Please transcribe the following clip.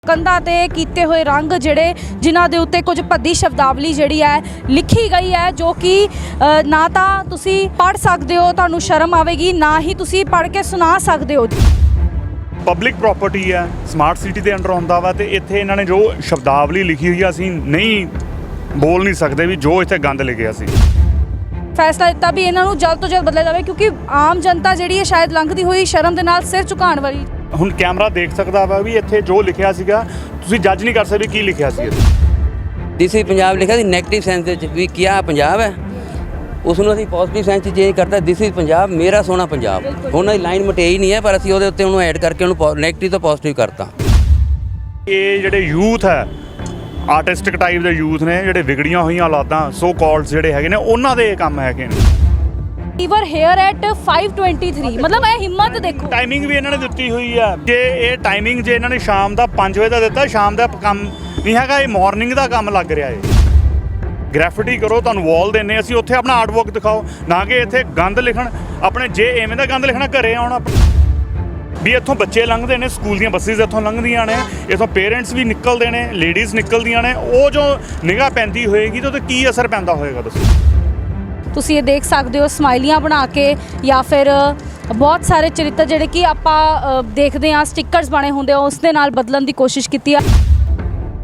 ਕੰਧਾਂ ਤੇ ਕੀਤੇ ਹੋਏ ਰੰਗ ਜਿਹੜੇ ਜਿਨ੍ਹਾਂ ਦੇ ਉੱਤੇ ਕੁਝ ਭੱਦੀ ਸ਼ਬਦਾਵਲੀ ਜਿਹੜੀ ਹੈ ਲਿਖੀ ਗਈ ਹੈ, ਜੋ ਕਿ ਨਾ ਤਾਂ ਤੁਸੀਂ ਪੜ੍ਹ ਸਕਦੇ ਹੋ, ਤੁਹਾਨੂੰ ਸ਼ਰਮ ਆਵੇਗੀ, ਨਾ ਹੀ ਤੁਸੀਂ ਪੜ੍ਹ ਕੇ ਸੁਣਾ ਸਕਦੇ ਹੋ। ਪਬਲਿਕ ਪ੍ਰਾਪਰਟੀ ਹੈ, ਸਮਾਰਟ ਸਿਟੀ ਦੇ ਅੰਡਰ ਆਉਂਦਾ ਵਾ, ਤੇ ਇੱਥੇ ਇਹਨਾਂ ਨੇ ਜੋ ਸ਼ਬਦਾਵਲੀ ਲਿਖੀ ਹੋਈ ਆ ਅਸੀਂ ਨਹੀਂ ਬੋਲ ਨਹੀਂ ਸਕਦੇ ਵੀ ਜੋ ਇੱਥੇ ਗੰਦ ਲਿਖਿਆ ਸੀ। ਫੈਸਲਾ ਦਿੱਤਾ ਵੀ ਇਹਨਾਂ ਨੂੰ ਜਲਦ ਤੋਂ ਜਲਦ ਬਦਲਿਆ ਜਾਵੇ, ਕਿਉਂਕਿ ਆਮ ਜਨਤਾ ਜਿਹੜੀ ਹੈ ਸ਼ਾਇਦ ਲੰਘਦੀ ਹੋਈ ਸ਼ਰਮ ਦੇ ਨਾਲ ਸਿਰ ਝੁਕਾਉਣ ਵਾਲੀ। ਹੁਣ ਕੈਮਰਾ ਦੇਖ ਸਕਦਾ ਵਾ ਵੀ ਇੱਥੇ ਜੋ ਲਿਖਿਆ ਸੀਗਾ ਤੁਸੀਂ ਜੱਜ ਨਹੀਂ ਕਰ ਸਕਦੇ ਕੀ ਲਿਖਿਆ ਸੀ। ਦਿਸ ਇਜ਼ ਪੰਜਾਬ ਲਿਖਿਆ ਸੀ ਨੈਗੇਟਿਵ ਸੈਂਸ ਵਿੱਚ ਵੀ ਕਿਆ ਪੰਜਾਬ ਹੈ, ਉਸ ਨੂੰ ਅਸੀਂ ਪੋਜ਼ਿਟਿਵ ਸੈਂਸ 'ਚ ਚੇਂਜ ਕਰਤਾ ਦਿਸ ਇਜ਼ ਪੰਜਾਬ, ਮੇਰਾ ਸੋਹਣਾ ਪੰਜਾਬ। ਉਹਨਾਂ ਦੀ ਲਾਈਨ ਮਟੇਈ ਨਹੀਂ ਹੈ, ਪਰ ਅਸੀਂ ਉਹਦੇ ਉੱਤੇ ਉਹਨੂੰ ਐਡ ਕਰਕੇ ਉਹਨੂੰ ਨੈਗੇਟਿਵ ਤੋਂ ਪੋਜ਼ਿਟਿਵ ਕਰਤਾ। ਇਹ ਜਿਹੜੇ ਯੂਥ ਹੈ, ਆਰਟਿਸਟਿਕ ਟਾਈਪ ਦੇ ਯੂਥ ਨੇ, ਜਿਹੜੇ ਵਿਗੜੀਆਂ ਹੋਈਆਂ ਔਲਾਦਾਂ ਸੋ ਕਾਲਡ ਜਿਹੜੇ ਹੈਗੇ ਨੇ, ਉਹਨਾਂ ਦੇ ਇਹ ਕੰਮ ਹੈਗੇ ਨੇ। ਈਵਰ ਹੇਅਰ ਐਟ 5:23, ਮਤਲਬ ਇਹ ਹਿੰਮਤ ਦੇਖੋ। ਟਾਈਮਿੰਗ ਵੀ ਇਹਨਾਂ ਨੇ ਦਿੱਤੀ ਹੋਈ ਆ, ਜੇ ਇਹ ਟਾਈਮਿੰਗ ਜੇ ਇਹਨਾਂ ਨੇ ਸ਼ਾਮ ਦਾ 5 ਵਜੇ ਦਾ ਦਿੱਤਾ, ਸ਼ਾਮ ਦਾ ਕੰਮ ਨਹੀਂ ਹੈਗਾ, ਇਹ ਮਾਰਨਿੰਗ ਦਾ ਕੰਮ ਲੱਗ ਰਿਹਾ ਹੈ। ਗ੍ਰੈਫਿਟੀ ਕਰੋ, ਤੁਹਾਨੂੰ ਵਾਲ ਦੇਣੇ ਅਸੀਂ, ਉੱਥੇ ਆਪਣਾ ਆਰਟ ਵਰਕ ਦਿਖਾਓ, ਨਾ ਕਿ ਇੱਥੇ ਗੰਦ ਲਿਖਣ। ਆਪਣੇ ਜੇ ਐਵੇਂ ਦਾ ਗੰਦ ਲਿਖਣਾ ਘਰੇ ਆਉਣਾ ਵੀ। ਇੱਥੋਂ ਬੱਚੇ ਲੰਘਦੇ ਨੇ, ਸਕੂਲ ਦੀਆਂ ਬੱਸਿਸ ਇੱਥੋਂ ਲੰਘਦੀਆਂ ਨੇ, ਇੱਥੋਂ ਪੇਰੈਂਟਸ ਵੀ ਨਿਕਲਦੇ ਨੇ, ਲੇਡੀਜ਼ ਨਿਕਲਦੀਆਂ ਨੇ, ਉਹ ਜੋ ਨਿਗਾਹ ਪੈਂਦੀ ਹੋਏਗੀ ਤਾਂ ਉਹਦੇ ਕੀ ਅਸਰ ਪੈਂਦਾ ਹੋਏਗਾ ਦੱਸੋ। ਤੁਸੀਂ ਇਹ ਦੇਖ ਸਕਦੇ ਹੋ ਸਮਾਈਲੀਆਂ ਬਣਾ ਕੇ, ਜਾਂ ਫਿਰ ਬਹੁਤ ਸਾਰੇ ਚਰਿੱਤਰ ਜਿਹੜੇ ਕਿ ਆਪਾਂ ਦੇਖਦੇ ਹਾਂ ਸਟਿੱਕਰਸ ਬਣੇ ਹੁੰਦੇ ਆ, ਉਸ ਦੇ ਨਾਲ ਬਦਲਣ ਦੀ ਕੋਸ਼ਿਸ਼ ਕੀਤੀ ਆ।